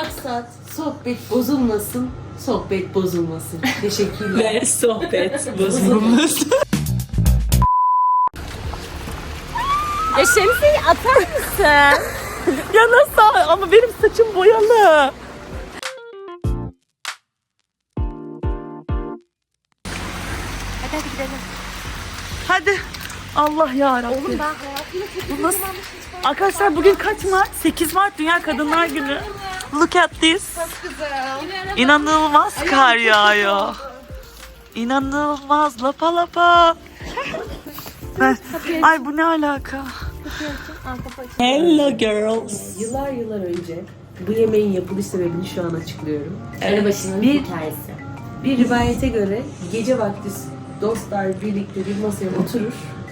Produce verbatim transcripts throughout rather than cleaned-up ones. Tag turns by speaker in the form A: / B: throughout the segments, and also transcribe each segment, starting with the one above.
A: Maksat sohbet bozulmasın, sohbet bozulmasın. Teşekkürler.
B: Ve sohbet bozulmasın.
C: Ya şemsiyeyi atar mısın?
B: Ya nasıl? Ama benim saçım boyalı.
C: Hadi hadi gidelim.
B: Hadi. Allah yarabbim.
C: Oğlum ben hayatımda çok
B: Bu nasıl? Arkadaşlar bugün kaç Mart? sekiz Mart Dünya Kadınlar Günü. Look at this. İnanılmaz kar yağıyor. İnanılmaz lapa lapa. Ay bu ne alaka? Hello girls.
A: Yıllar yıllar önce bu yemeğin yapılış sebebini şu an açıklıyorum.
C: Arabaşının
A: Bir-
C: hikayesi.
A: Bir rivayete göre gece vakti dostlar birlikte bir masaya oturur.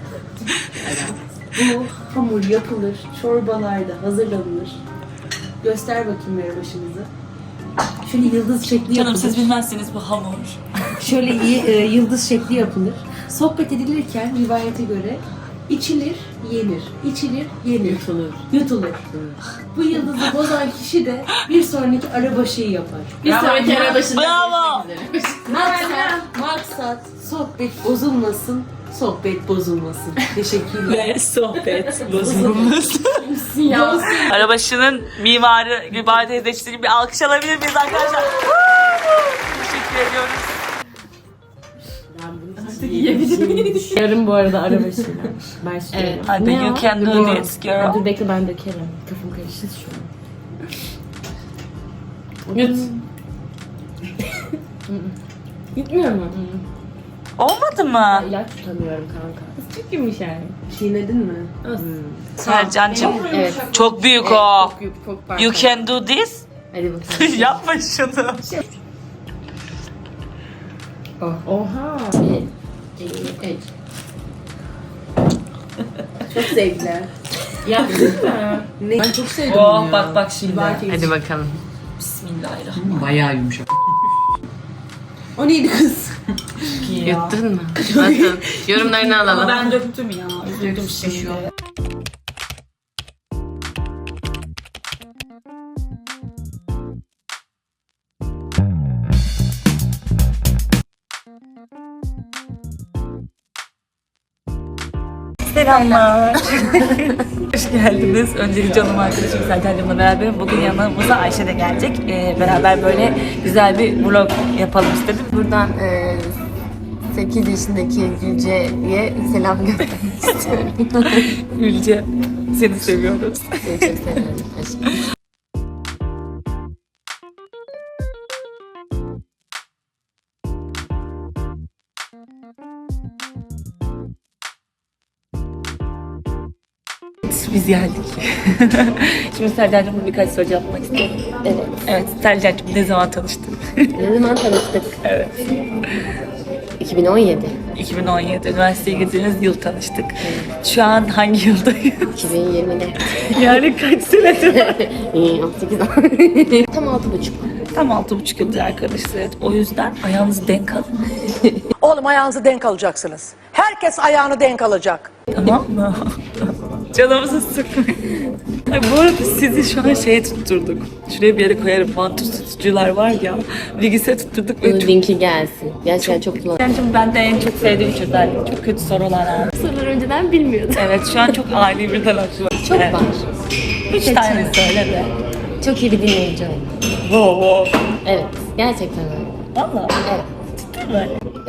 A: Bu hamur yapılır, çorbalar da hazırlanır. Göster bakayım başınızı. Şöyle yıldız şekli
B: Canım
A: yapılır.
B: siz bilmezsiniz bu hamur.
A: Şöyle y- e, yıldız şekli yapılır. Sohbet edilirken rivayete göre içilir, yenir. İçilir, yenir. Yutulur. Yutulur. Bu yıldızı bozan kişi de bir sonraki arabaşıyı yapar.
C: Bir sonraki arabaşında
B: Bravo.
A: Maksat, maksat sohbet bozulmasın, sohbet bozulmasın. Teşekkürler.
B: Ve sohbet bozulmasın. Arabaşının mimarı Gülbahar teyze için bir alkış alabilir miyiz arkadaşlar? Teşekkür ediyoruz.
C: Yarın bu arada arabaşıyla. Başlıyorum.
B: Evet, hadi you can do this girl.
C: Dur bekle ben dökerim. Kafam karıştı şu an. Yut. Gitmiyor mu?
B: Olmadı mı?
C: İlaç tutamıyorum kanka. Çok yumuşak.
A: Çiğnedin mi?
B: Sercan'cığım
C: Evet.
B: çok büyük o.
C: Çok büyük, çok farklı.
B: You can do this.
C: Hadi bakalım.
B: Yapma şunu.
C: Oha. Bir, iki, üç.
A: Çok zevkli.
C: Yaptın mı?
A: Ne? Ben çok sevdim
B: Oh
A: ya.
B: bak bak şimdi.
C: Hadi bakalım.
B: Bismillahirrahmanirrahim.
D: Bayağı yumuşak.
A: O neydi kız?
C: Yuttun mu? Nasıl? Yorumlarını
B: Ama
C: alalım.
B: ben döktüm ya. Üzüldüm şimdi. Selamlar. Hoş geldiniz. Öncelikle canım arkadaşım Sercan'cığımla beraber bugün yanımıza Ayşe de gelecek. Ee, beraber böyle güzel bir vlog yapalım istedim.
C: Buradan e, sekiz yaşındaki Gülce'ye selam göndermek istiyorum.
B: Gülce, seni seviyoruz.
C: Seni çok seviyorum. Aşkım.
B: Biz geldik. Şimdi Sercan'cığımla birkaç soru yapmak istiyorum.
C: Evet.
B: Evet, Sercan'cığım ne zaman tanıştın?
C: Ne zaman tanıştık?
B: Evet.
C: iki bin on yedi.
B: iki bin on yedi üniversiteye girdiğiniz yıl tanıştık. Şu an hangi yıldayız?
C: iki bin yirmide.
B: Yani kaç senedir?
C: on sekiz an. Tam altı buçuk.
B: Tam altı buçuk yıldır arkadaşlar. Evet, o yüzden ayağınızı denk alın.
E: Oğlum ayağınızı denk alacaksınız. Herkes ayağını denk alacak.
B: Tamam mı? Canımızı sıkmayın. Ay, bu arada sizi şu an şeye tutturduk. Şuraya bir yere koyarım. Mantus tutucular var ya. Bilgisayar tutturduk ve
C: Bunun
B: çok...
C: linki gelsin. Gerçekten çok kullanıyorum.
B: Sercan'cığım ben de en çok sevdiğim çocuklar. Çok kötü sorular ha.
C: Soruları önceden bilmiyordum.
B: Evet, şu an çok ani bir aklı var.
C: Çok
B: Evet.
C: var.
B: Üç tane söyle de.
C: Çok iyi bir dinleyici oldum.
B: Wow wow.
C: Evet. Gerçekten öyle.
B: Valla.
C: Evet.
B: Ciddi mi?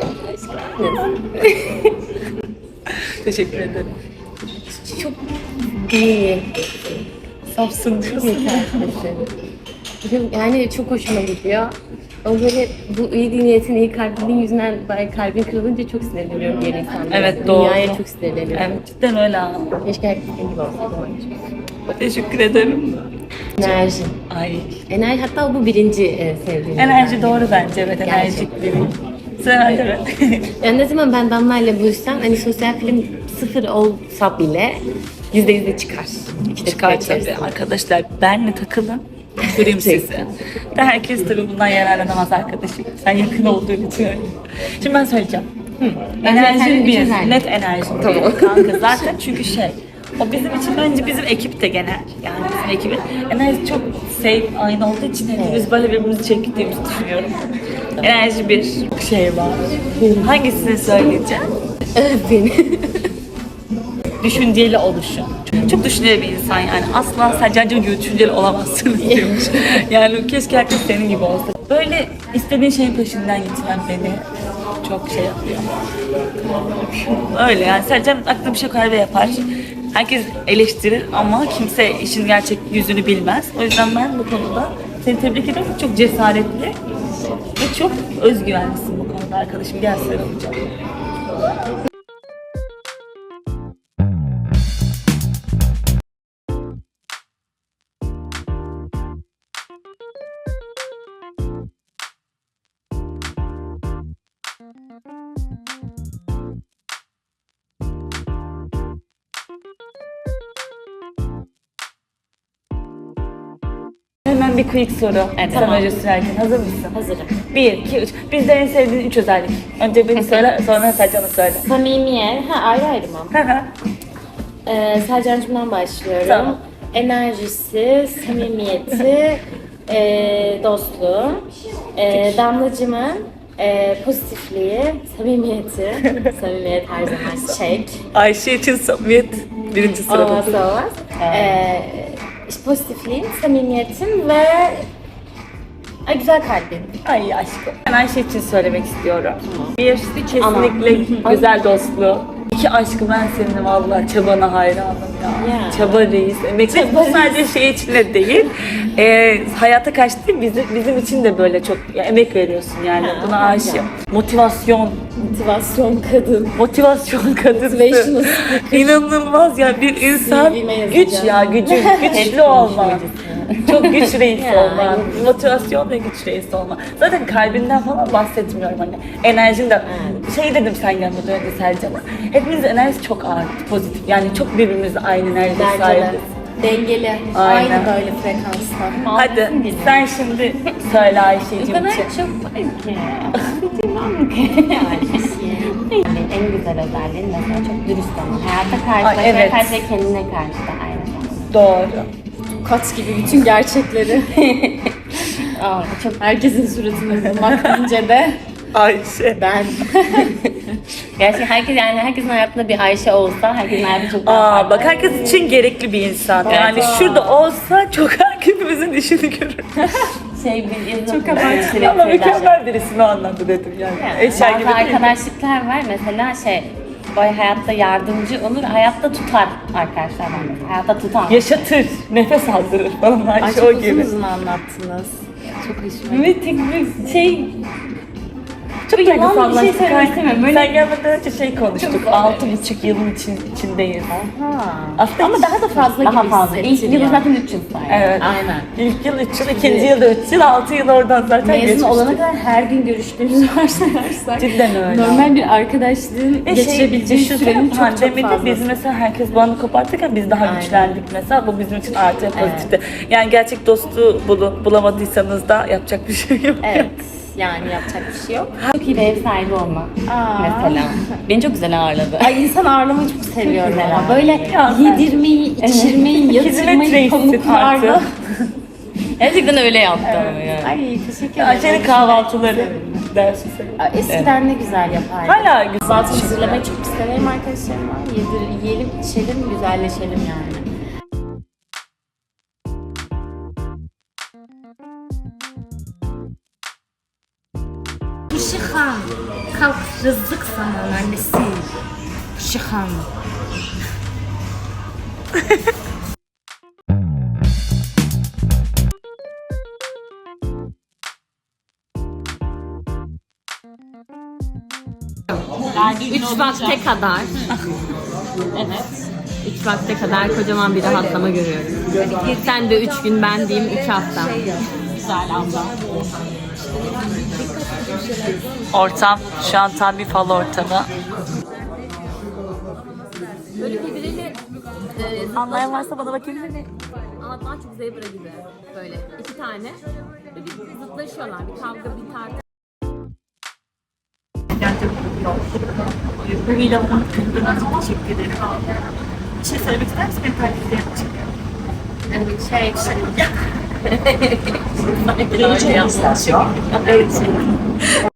B: Teşekkür ederim.
C: Çok iyi.
B: Safsın diyorsun.
C: Yeterlisin. Yani çok hoşuma gidiyor. O böyle bu iyi niyetin, iyi kalbinin yüzünden böyle kalbin kırılınca çok sinirleniyorum diğer insanlara.
B: Evet, doğru.
C: Dünyaya çok sinirleniyorum.
B: Evet, cidden öyle ha.
C: Keşke herkes senin gibi olsaydı.
B: Teşekkür ederim.
C: Enerji.
B: Ay.
C: Enerji, hatta bu birinci e, sevdiğim.
B: Enerji doğru bence, evet, enerjik biri. Sen evet.
C: Yani ne zaman ben Damla'yla buluşsam hani sosyal film sıfır olsa bile yüzde yüzde çıkar. İşte
B: Çıkar tabii arkadaşlar. Benle takılın. Göreyim sizi. De herkes tabii bundan yararlanamaz arkadaşım. Sen yakın olduğun için öyle. Şimdi ben söyleyeceğim. Enerji
C: kendimi
B: bir.
C: çözerim.
B: Net enerji.
C: Tamam.
B: Kanka zaten çünkü şey. O bizim için bence bizim ekip de genel. Yani bizim ekibin enerji çok same aynı olduğu için hepimiz böyle birbirimizi çektiğimizi düşünüyorum. Enerji bir şey var. Hangisini söyleyeceğim?
C: Beni.
B: Düşünceli oluşu. Çok düşünceli bir insan yani. Asla Selcan'cığım gibi düşünceli olamazsınız diyormuş. Yani keşke herkes senin gibi olsa. Böyle istediğin şeyin peşinden gitmen beni çok şey yapıyor. Öyle yani Selcan aklına bir şey koyar ve yapar. Herkes eleştirir ama kimse işin gerçek yüzünü bilmez. O yüzden ben bu konuda seni tebrik ediyorum. Çok cesaretli ve çok özgüvenlisin bu konuda arkadaşım. Gel sarılacağım. Hemen bir quick soru.
C: Evet,
B: Tam
C: tamam.
B: önce sürerken hazır mısın?
C: Hazırım.
B: Bir, iki, üç. Bizde en sevdiğin üç özellik. Önce beni söyle, sonra Selcan'ı söyle.
C: Samimiyet. Ha ayrı ayrı mı?
B: Hı hı.
C: Ee, Selcan'cımdan başlıyorum.
B: Tamam.
C: Enerjisi, samimiyeti, e, dostluğu. E, Damlacımın e, pozitifliği, samimiyeti. Samimiyet her zaman çek.
B: Ayşe için samimiyet birinci sırada.
C: Olmazsa olmaz. E, işte pozitifliğim, samimiyetim ve ay, güzel kalbim.
B: Ay aşkım. Ben Ayşe için söylemek istiyorum. Bir, kesinlikle güzel dostluğu. İki, aşkım ben senin vallahi çabana hayranım ya.
C: Ya.
B: Çaba reis. Emek bu sadece şey için de değil. Ee, hayata kaçtı bizim, bizim için de böyle çok ya, emek veriyorsun yani.
C: Ha,
B: Buna
C: bence.
B: aşığım. Motivasyon.
C: Motivasyon kadın.
B: Motivasyon kadısı.
C: Motivational
B: İnanılmaz ya bir insan
C: C V'me yazacağım.
B: güç ya gücü güçlü olma. Çok güç reis
C: Ya,
B: olma. Motivasyon ve güç reis olma. Zaten kalbinden falan bahsetmiyorum hani. Enerjin de şey dedim sen gelmeden önce Selcan'a. Hepimizin enerjisi çok ağır, pozitif. Yani çok birbirimize aynı enerji
C: Bence de.
B: sahibiz.
C: Dengeli.
B: Aynen.
C: Aynı böyle frekansta.
B: Hadi sen şimdi söyle Ayşe'cim
C: O kadar
B: için.
C: çok var ki. Anlatamam ki. Yani en güzel özelliğin mesela çok dürüst olmak. Hayata karşı
B: Ay,
C: ve
B: evet.
C: karşı ve kendine karşı da aynı zamanda.
B: Doğru.
C: Kat gibi bütün gerçekleri. Aa, çok herkesin suratını bulmak deyince de
B: Ayşe.
C: ben. Gerçekten herkes yani herkesin hayatında bir Ayşe olsa herkesin hayatı çok daha
B: Aa
C: farklı.
B: bak herkes için gerekli bir insan. Yani şurada olsa çok hepimizin işini görür.
C: Şey bir yazım.
B: Çok abartılı ama mükemmel birisi o anlamda dedim yani.
C: Yani
B: Eşya
C: bazı
B: gibi değil.
C: arkadaşlıklar var mesela şey böyle hayatta yardımcı olur, hayatta tutar arkadaşlar var mesela. Hayatta tutar.
B: Yaşatır, nefes aldırır falan Ayşe o gibi.
C: anlattınız. Çok hoşuma
B: Ve tek bir şey... Çok
C: yalan bir şey
B: duygusallaştık.
C: söylemek istemiyorum. Böyle-
B: Sen gelmeden önce şey konuştuk. Altı buçuk yılın için, içindeyiz. Aslında
C: Ama daha da fazla
B: daha
C: gibi
B: fazla.
C: İlk yılı zaten üç yıl saydı.
B: Evet.
C: Aynen.
B: İlk yıl üç yıl, ikinci yıl da üç yıl, altı yıl oradan zaten
C: Mezun
B: geçmiştik.
C: olana kadar her gün görüştüğümüz varsayarsak.
B: Cidden öyle.
C: Normal bir arkadaşlığın
B: Ve
C: geçirebileceği
B: şey,
C: sürenin çok çok
B: pandemide
C: fazlası.
B: biz mesela herkes bağını kopartırken biz daha
C: Aynen.
B: güçlendik mesela. Bu bizim için artı pozitifti. Yani gerçek dostu bulu, bulamadıysanız da yapacak bir şey yok.
C: Evet. Yani yapacak bir şey yok. Çok iyi bir ev sahibi olmak mesela. Beni çok güzel ağırladı. Ay insan ağırlamayı çok seviyorum ama. Böyle
B: Ya sen-
C: yedirmeyi, içirmeyi,
B: Hizmet
C: yatırmayı
B: reisisin
C: pamuklarla.
B: artık.
C: Gerçekten öyle yaptım yani. Ay teşekkür ederim.
B: Ayşe'nin kahvaltıları dersi
C: Aa, Eskiden ne güzel yapardı.
B: Hala güzel.
C: Kahvaltı hazırlamayı çok severim arkadaşlarımla. Yedir, yiyelim, içelim, güzelleşelim yani. Şıhan, kalk rızık sana annesi. Şıhan. Üç vakte kadar. Evet. Üç vakte kadar kocaman bir rahatlama görüyorum. Sen de üç gün, ben diyeyim iki hafta. Güzel abla.
B: Ortam şu an tam bir fal ortamı.
C: Böyle birbiriyle e,
B: Anlayan varsa bana bakabilir mi?
C: anlatmak çok zebra gibi. Böyle iki tane. Böyle bir zıtlaşıyorlar. Bir kavga, bir tartışma.
B: Bu ilanın kırıldığına çok teşekkür ederim. Bir şey söylemek ister misin? Benim takipçilerim için.
C: Yani şey, Geleceğim istasyon.